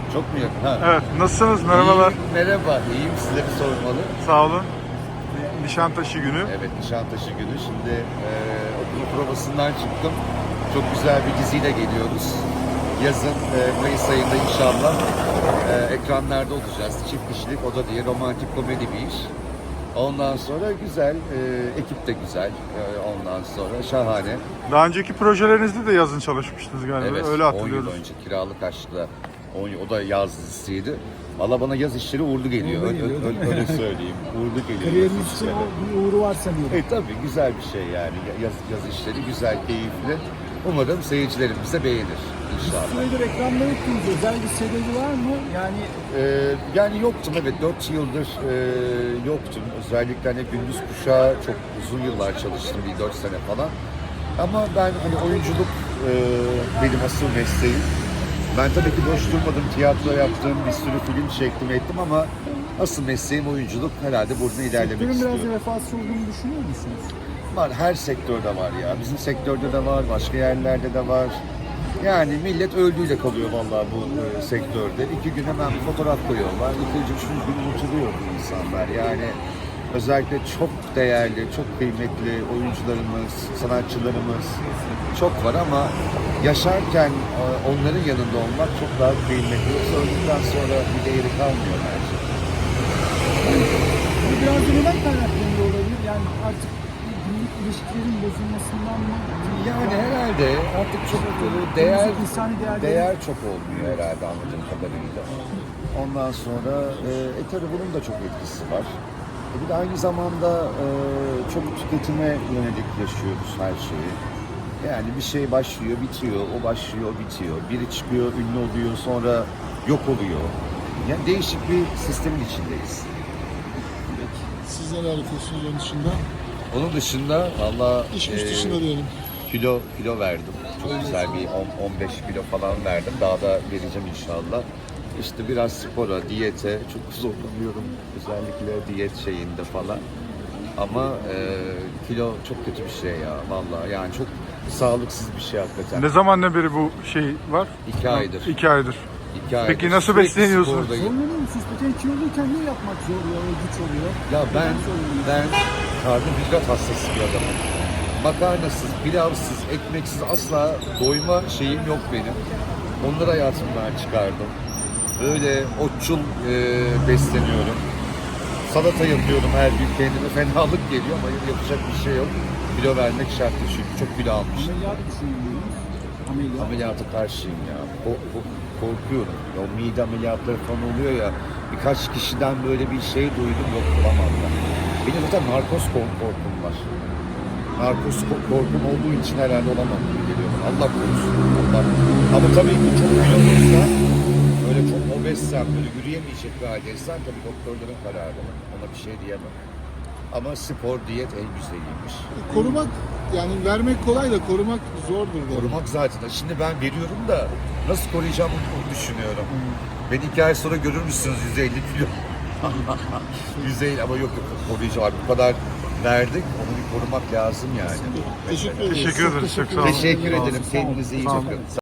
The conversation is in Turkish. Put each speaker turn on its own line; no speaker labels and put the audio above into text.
Çok mu yakın? Ha.
Evet, nasılsınız? Merhabalar.
Merhaba, iyiyim. Sizleri sormalı.
Sağ olun. Nişantaşı günü.
Evet, Nişantaşı günü. Şimdi okul provasından çıktım. Çok güzel bir diziyle geliyoruz. Yazın Mayıs ayında inşallah ekranlarda olacağız. Çift kişilik, o da diye romantik komedi bir iş. Ondan sonra güzel, ekip de güzel. Ondan sonra şahane.
Daha önceki projelerinizde de yazın çalışmıştınız galiba.
Evet,
Öyle
10 yıl
hatırlıyoruz.
önce Kiralık Aşk'la, o da yaz dizisiydi. Valla bana yaz işleri uğurlu geliyor, öyle söyleyeyim. Uğurlu geliyor.
Kariyeriniz için o bir uğru var sanıyorum.
Tabii güzel bir şey yani. Yaz işleri güzel, keyifli. Umarım seyircilerimiz de beğenir inşallah.
Süredir ekranda yoktunuz. Özel bir sebebi var mı?
Yani yoktum, evet, 4 yıldır yoktum. Özellikle hani gündüz kuşağı çok uzun yıllar çalıştım, bir 4 sene falan. Ama ben hani oyunculuk benim asıl mesleğim. Ben tabii ki boş durmadım, tiyatro yaptım, bir sürü film çektim ettim ama asıl mesleğim oyunculuk. Herhalde burada ilerlemek
sektörün
istiyorum.
biraz refahsız olduğunu düşünüyor musunuz?
Var, her sektörde var ya. Bizim sektörde de var, başka yerlerde de var. Yani millet öldüğüyle kalıyor vallahi bu sektörde. 2 gün hemen bir fotoğraf koyuyorlar. 2. 3. gün unutuluyor bu insanlar. Yani özellikle çok değerli, çok kıymetli oyuncularımız, sanatçılarımız çok var ama yaşarken onların yanında olmak çok daha kıymetli. Öldükten sonra bir değeri kalmıyor bence.
Bu biraz da neden kaynaklanıyor olabilir? Yani artık günlük ilişkilerin bozulmasından mı?
Yani herhalde artık çok
insani
değer çok olmuyor herhalde anladığım kadarıyla. Ondan sonra tabii bunun da çok etkisi var. Bir de aynı zamanda çok tüketime yönelik yaşıyoruz her şeyi. Yani bir şey başlıyor, bitiyor, o başlıyor, bitiyor. Biri çıkıyor, ünlü oluyor, sonra yok oluyor. Yani değişik bir sistemin içindeyiz.
Siz neler yapıyorsunuz onun dışında?
Onun dışında valla
İş dışında diyelim.
kilo verdim. Çok güzel bir 15 kilo falan verdim. Daha da vereceğim inşallah. İşte biraz spora, diyete çok zorlanıyorum. Özellikle diyet şeyinde falan. Ama kilo çok kötü bir şey ya vallahi. Yani çok sağlıksız bir şey hakikaten.
Ne zamandan beri bu şey var?
2 aydır.
2 aydır.
2 aydır.
Peki nasıl
Sürekli
besleniyorsunuz?
spordayım.
Zorlanıyor musunuz? Peki kiloluyken ne yapmak zor ya? O güç oluyor.
Ya ben
Neden zorlanıyorsunuz?
karbonhidrat hastası bir adamım. Makarnasız, pilavsız, ekmeksiz asla doyma şeyim yok benim. Onları hayatımdan çıkardım. Böyle otçul besleniyorum. Salata yapıyorum her gün kendime. Fenalık geliyor ama yapacak bir şey yok. Kilo vermek şart çünkü çok kilo almışım.
Ameliyat düşünüyor Ameliyat.
Ameliyata karşıyım ya. Korkuyorum. O mide ameliyatları falan oluyor ya. Birkaç kişiden böyle bir şey duydum, yok olamam ya. Benim zaten narkoz korkum var. Narkoz korkum olduğu için herhalde olamam gibi geliyor. Allah korusun. Allah. Ama tabii ki çok kiloluysa, öyle çok obezsem, böyle yürüyemeyecek bir haldeysen tabii doktorların kararı. Ona bir şey diyemem. Ama spor, diyet en güzeliymiş.
Korumak, yani vermek kolay da korumak zordur.
Korumak zaten. Şimdi ben veriyorum da nasıl koruyacağım onu düşünüyorum. Beni 2 ay sonra görür müsünüz 150 kilo? 150 ama yok koruyacağım. Bu kadar verdik. Onu bir korumak lazım yani.
Teşekkür ederim.
Teşekkür ederiz. Çok sağ olun.
Teşekkür
Sağ olun.
ederim. Kendinize iyi
Sağ olun.
bakın.